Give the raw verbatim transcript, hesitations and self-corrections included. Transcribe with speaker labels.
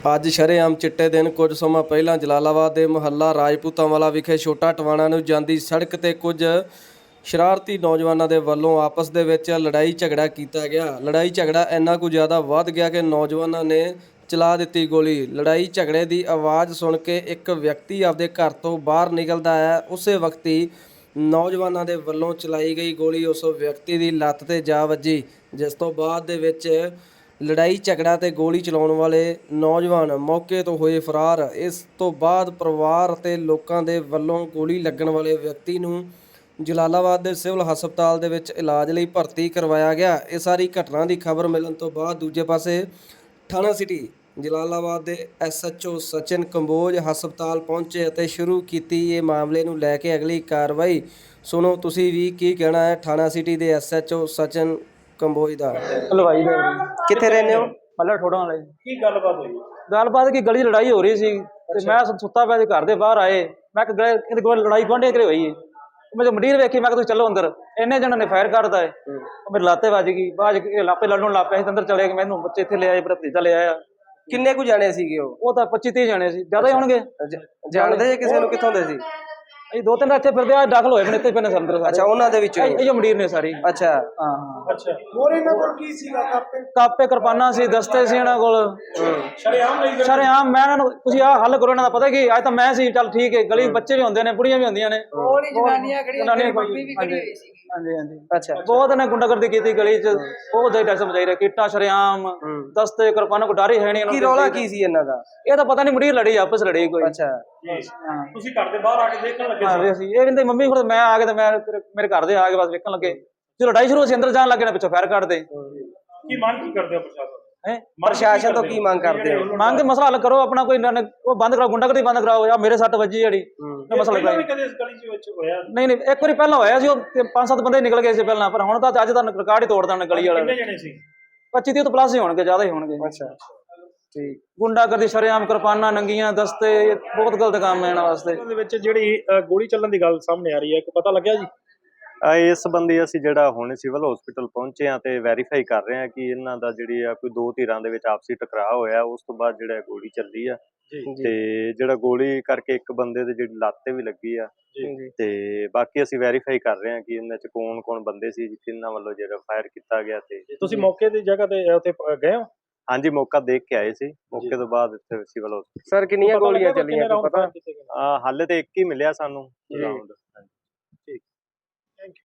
Speaker 1: ਅੱਜ ਸ਼ਰੇਆਮ ਚਿੱਟੇ ਦਿਨ ਕੁਝ ਸਮਾਂ ਪਹਿਲਾਂ ਜਲਾਲਾਬਾਦ ਦੇ ਮੁਹੱਲਾ ਰਾਜਪੂਤਾਂ ਵਾਲਾ ਵਿਖੇ ਛੋਟਾ ਟਵਾਣਾ ਨੂੰ ਜਾਂਦੀ ਸੜਕ ਤੇ ਕੁਝ ਸ਼ਰਾਰਤੀ ਨੌਜਵਾਨਾਂ ਦੇ ਵੱਲੋਂ ਆਪਸ ਦੇ ਵਿੱਚ ਲੜਾਈ ਝਗੜਾ ਕੀਤਾ ਗਿਆ। ਲੜਾਈ ਝਗੜਾ ਇੰਨਾ ਕੁ ਜ਼ਿਆਦਾ ਵੱਧ ਗਿਆ ਕਿ ਨੌਜਵਾਨਾਂ ਨੇ ਚਲਾ ਦਿੱਤੀ ਗੋਲੀ। ਲੜਾਈ ਝਗੜੇ ਦੀ ਆਵਾਜ਼ ਸੁਣ ਕੇ ਇੱਕ ਵਿਅਕਤੀ ਆਪਦੇ ਘਰ ਤੋਂ ਬਾਹਰ ਨਿਕਲਦਾ ਹੈ। ਉਸੇ ਵਕਤ ਹੀ ਨੌਜਵਾਨਾਂ ਦੇ ਵੱਲੋਂ ਚਲਾਈ ਗਈ ਗੋਲੀ ਉਸ ਵਿਅਕਤੀ ਦੀ ਲੱਤ ਤੇ ਜਾ ਵੱਜੀ, ਜਿਸ ਤੋਂ ਬਾਅਦ ਦੇ ਵਿੱਚ ਲੜਾਈ ਝਗੜਾ ਤੇ ਗੋਲੀ ਚਲਾਉਣ ਵਾਲੇ ਨੌਜਵਾਨ ਮੌਕੇ ਤੋਂ ਹੋਏ ਫਰਾਰ। ਇਸ ਤੋਂ ਬਾਅਦ ਪਰਿਵਾਰ ਅਤੇ ਲੋਕਾਂ ਦੇ ਵੱਲੋਂ ਗੋਲੀ ਲੱਗਣ ਵਾਲੇ ਵਿਅਕਤੀ ਨੂੰ ਜਲਾਲਾਬਾਦ ਦੇ ਸਿਵਲ ਹਸਪਤਾਲ ਦੇ ਵਿੱਚ ਇਲਾਜ ਲਈ ਭਰਤੀ ਕਰਵਾਇਆ ਗਿਆ। ਇਹ ਸਾਰੀ ਘਟਨਾ ਦੀ ਖਬਰ ਮਿਲਣ ਤੋਂ ਬਾਅਦ ਦੂਜੇ ਪਾਸੇ ਥਾਣਾ ਸਿਟੀ ਜਲਾਲਾਬਾਦ ਦੇ S H O Sachin Kamboj ਹਸਪਤਾਲ ਪਹੁੰਚੇ ਅਤੇ ਸ਼ੁਰੂ ਕੀਤੀ ਇਹ ਮਾਮਲੇ ਨੂੰ ਲੈ ਕੇ ਅਗਲੀ ਕਾਰਵਾਈ। ਸੁਣੋ ਤੁਸੀਂ ਵੀ ਕੀ ਕਹਿਣਾ ਹੈ ਥਾਣਾ ਸਿਟੀ ਦੇ S H O Sachin Kamboj ਦਾ।
Speaker 2: ਹਲਵਾਈ ਦਾ
Speaker 1: ਕਿੱਥੇ ਰਹਿੰਦੇ ਹੋ?
Speaker 2: ਮੱਲਾ ਠੋੜਾਂ ਵਾਲੇ।
Speaker 3: ਕੀ ਗੱਲਬਾਤ ਹੋਈ?
Speaker 2: ਗੱਲਬਾਤ ਕੀ ਗਲੀ 'ਚ ਲੜਾਈ ਹੋ ਰਹੀ ਸੀ ਤੇ ਮੈਂ ਸੁੱਤਾ ਪਿਆ ਸੀ, ਘਰ ਦੇ ਬਾਹਰ ਆਏ, ਮੈਂ ਕਿ ਇਹਦੇ ਕੋਲ ਲੜਾਈ ਗੁਆਂਢੀਆਂ ਘਰੇ ਹੋਈ ਹੈ। ਮੈਂ ਜਦੋਂ ਮੰਡੀਰ ਵੇਖੀ, ਮੈਂ ਕਿਹਾ ਤੁਸੀਂ ਚੱਲੋ ਅੰਦਰ। ਇੰਨੇ ਜਣਾਂ ਨੇ ਫਾਇਰ ਕਰਦਾ ਹੈ, ਮੇਰੇ ਲਾਤੇ ਵੱਜ ਗਈ। ਬਾਅਦ ਲਾਪੇ ਲੜਨ ਲੱਗ ਪਿਆ ਸੀ, ਅੰਦਰ ਚਲੇ ਗਏ। ਮੈਨੂੰ ਬੱਚੇ ਇੱਥੇ ਲੈ ਆਏ, ਮੇਰਾ ਭਤੀਜਾ ਲੈ ਆਇਆ।
Speaker 1: ਕਿੰਨੇ ਕੁ ਜਾਣੇ ਸੀਗੇ ਉਹ?
Speaker 2: ਉਹ ਤਾਂ ਪੱਚੀ ਤੀਹ ਜਾਣੇ ਸੀ, ਜ਼ਿਆਦਾ ਹੀ ਹੋਣਗੇ।
Speaker 1: ਜਾਣਦੇ ਜੇ ਕਿਸੇ ਨੂੰ? ਕਿੱਥੋਂ ਦੇ ਸੀ?
Speaker 2: ਅਸੀਂ ਦੋ ਤਿੰਨ ਇੱਥੇ ਫਿਰਦੇ ਆ, ਦਾਖਲ ਹੋਏ ਆਪਣੇ ਇੱਥੇ ਪੈਨੇ ਅੰਦਰ ਸਾਰੇ।
Speaker 1: ਅੱਛਾ, ਉਹਨਾਂ ਦੇ ਵਿੱਚੋਂ ਹੀ?
Speaker 2: ਇਹ ਮੰਡੀਰ ਨੇ ਸਾਰੀ।
Speaker 1: ਅੱਛਾ
Speaker 2: ਹਾਂ
Speaker 3: ਅੱਛਾ, ਹੋਰ ਇਹਨਾਂ ਕੋਲ ਕੀ ਸੀਗਾ? ਕਾਪੇ
Speaker 2: ਕਾਪੇ ਕਿਰਪਾਨਾਂ ਸੀ, ਦਸਤੇ ਸੀ ਇਹਨਾਂ ਕੋਲ।
Speaker 3: ਸ਼ਰੇਆਮ ਨਹੀਂ
Speaker 2: ਸ਼ਰੇਆਮ ਮੈਂ ਇਹਨਾਂ ਨੂੰ ਤੁਸੀਂ ਆਹ ਹੱਲ ਕਰੋ, ਇਹਨਾਂ ਦਾ ਪਤਾ ਕੀ ਅੱਜ ਤਾਂ ਮੈਂ ਸੀ, ਚੱਲ ਠੀਕ ਹੈ। ਗਲੀ ਬੱਚੇ ਵੀ ਹੁੰਦੇ ਨੇ, ਬੁੜੀਆਂ ਵੀ ਹੁੰਦੀਆਂ ਨੇ,
Speaker 4: ਜਨਾਨੀਆਂ ਖੜੀਆਂ, ਮੰਮੀ ਵੀ ਖੜੀ ਹੋਈ ਸੀ।
Speaker 2: ਹਾਂਜੀ ਹਾਂਜੀ।
Speaker 1: ਅੱਛਾ,
Speaker 2: ਬਹੁਤ ਨੇ ਗੁੰਡਾਗਰਦੀ ਕੀਤੀ ਗਲੀ 'ਚ, ਬਹੁਤ ਜ਼ਿਆਦਾ ਸਮਝਾਈ ਰਿਹਾ। ਕੀਟਾਂ ਸ਼ਰੇਆਮ, ਦਸਤੇ ਕਿਰਪਾਨਾਂ, ਕੋਈ ਡਰ ਹੀ ਹੈ ਨਹੀਂ।
Speaker 1: ਕੀ ਰੌਲਾ ਕੀ ਸੀ ਇਹਨਾਂ ਦਾ?
Speaker 2: ਇਹ ਤਾਂ ਪਤਾ ਨਹੀਂ, ਮੁੜੀ ਲੜੀ ਆਪਸ ਲੜੀ ਕੋਈ।
Speaker 1: ਅੱਛਾ,
Speaker 3: ਤੁਸੀਂ ਘਰ ਦੇ ਬਾਹਰ ਆ ਕੇ ਦੇਖਣ ਲੱਗੇ ਸੀ?
Speaker 2: ਹਾਂ ਸੀ। ਇਹ ਕਹਿੰਦੇ ਮੰਮੀ ਖੁਦ ਮੈਂ ਆ ਕੇ ਤੇ ਮੈਂ ਮੇਰੇ ਘਰ ਦੇ ਆ ਕੇ ਬਸ ਵੇਖਣ ਲੱਗੇ, ਜੋ ਲੜਾਈ ਸ਼ੁਰੂ ਸੀ, ਅੰਦਰ ਜਾਣ ਲੱਗੇ ਨਾ, ਪਿੱਛੋਂ ਫਾਇਰ ਕੱਢਦੇ।
Speaker 3: ਕੀ ਮੰਗ ਕੀ ਕਰਦੇ ਹੋ ਪ੍ਰਸ਼ਾਸਨ?
Speaker 2: ਹੈ
Speaker 1: ਪ੍ਰਸ਼ਾਸਨ ਤੋਂ ਕੀ ਮੰਗ ਕਰਦੇ ਹੋ?
Speaker 2: ਮੰਗ ਕੇ ਮਸਲਾ ਹੱਲ ਕਰੋ ਆਪਣਾ, ਕੋਈ ਉਹ ਬੰਦ ਕਰਾਓ, ਗੁੰਡਾਗਰਦੀ ਬੰਦ ਕਰਾਓ। ਜਾਂ ਮੇਰੇ ਸੱਟ ਵੱਜੀ ਜਿਹੜੀ ਮਸਲਾ
Speaker 3: ਪਹਿਲਾਂ ਵੀ ਕਦੇ ਇਸ ਗਲੀ 'ਚ ਵਿੱਚ ਹੋਇਆ?
Speaker 2: ਨਹੀਂ ਨਹੀਂ, ਇੱਕ ਵਾਰੀ ਪਹਿਲਾਂ ਹੋਇਆ ਸੀ, ਉਹ ਪੰਜ ਸੱਤ ਬੰਦੇ ਨਿਕਲ ਗਏ ਸੀ ਪਹਿਲਾਂ, ਪਰ ਹੁਣ ਤਾਂ ਅੱਜ ਤਾਂ ਰਿਕਾਰਡ ਹੀ ਤੋੜ ਦੇਣ ਗਲੀ ਵਾਲੇ।
Speaker 3: ਕਿੰਨੇ ਜਣੇ ਸੀ?
Speaker 2: ਪੱਚੀ ਤੀਹ ਤੋਂ ਪਲੱਸ ਹੀ ਹੋਣਗੇ, ਜ਼ਿਆਦਾ ਹੀ ਹੋਣਗੇ।
Speaker 1: ਅੱਛਾ ਠੀਕ।
Speaker 2: ਗੁੰਡਾਗਰਦੀ ਸ਼ਰੇਆਮ, ਕਿਰਪਾਨਾਂ ਨੰਗੀਆਂ, ਦਸਤੇ, ਬਹੁਤ ਗਲਤ ਕੰਮ ਹੈ ਇਹਨਾਂ ਵਾਸਤੇ।
Speaker 3: ਦੇ ਵਿੱਚ ਜਿਹੜੀ ਗੋਲੀ ਚੱਲਣ ਦੀ ਗੱਲ ਸਾਹਮਣੇ ਆ ਰਹੀ ਹੈ, ਕੋਈ ਪਤਾ ਲੱਗਿਆ ਜੀ?
Speaker 5: ਇਸ ਸੰਬੰਧੀ ਅਸੀਂ ਜਿਹੜਾ ਹੁਣ ਸਿਵਲ ਹਸਪੀਟਲ ਪਹੁੰਚੇ ਹਾਂ ਤੇ ਵੈਰੀਫਾਈ ਕਰ ਰਹੇ ਹਾਂ ਕਿ ਇਹਨਾਂ ਦਾ ਜਿਹੜੀ ਆ ਕੋਈ ਦੋ ਧਿਰਾਂ ਦੇ ਵਿੱਚ ਆਪਸੀ ਟਕਰਾਅ ਹੋਇਆ। ਉਸ ਤੋਂ ਬਾਅਦ ਜਿਹੜਾ ਗੋਲੀ ਚੱਲੀ ਆ ਤੇ ਜਿਹੜਾ ਗੋਲੀ ਕਰਕੇ ਇੱਕ ਬੰਦੇ ਦੇ ਜਿਹੜੀ ਲੱਤ ਤੇ ਵੀ ਲੱਗੀ ਆ। ਤੇ ਬਾਕੀ ਅਸੀਂ ਵੈਰੀਫਾਈ ਕਰ ਰਹੇ ਹਾਂ ਕਿ ਇਹਨਾਂ 'ਚ ਕੌਣ ਕੌਣ ਬੰਦੇ ਸੀ ਜਿਨ੍ਹਾਂ ਵੱਲੋਂ ਜਿਹੜਾ ਫਾਇਰ ਕੀਤਾ ਗਿਆ। ਤੇ
Speaker 3: ਤੁਸੀਂ ਮੌਕੇ ਦੀ ਜਗ੍ਹਾ ਤੇ ਉੱਥੇ ਗਏ ਹੋ?
Speaker 5: ਹਾਂਜੀ, ਮੌਕਾ ਦੇਖ ਕੇ ਆਏ ਸੀ। ਮੌਕੇ ਤੋਂ ਬਾਅਦ ਇੱਥੇ ਸਿਵਲ ਹਸਪੀਟਲ।
Speaker 1: ਸਰ ਕਿੰਨੀਆਂ ਗੋਲੀਆਂ ਚੱਲੀਆਂ ਪਤਾ?
Speaker 5: ਹਾਲੇ ਤੇ ਇੱਕ ਹੀ ਮਿਲਿਆ ਸਾਨੂੰ ਰਾਉਂਡ।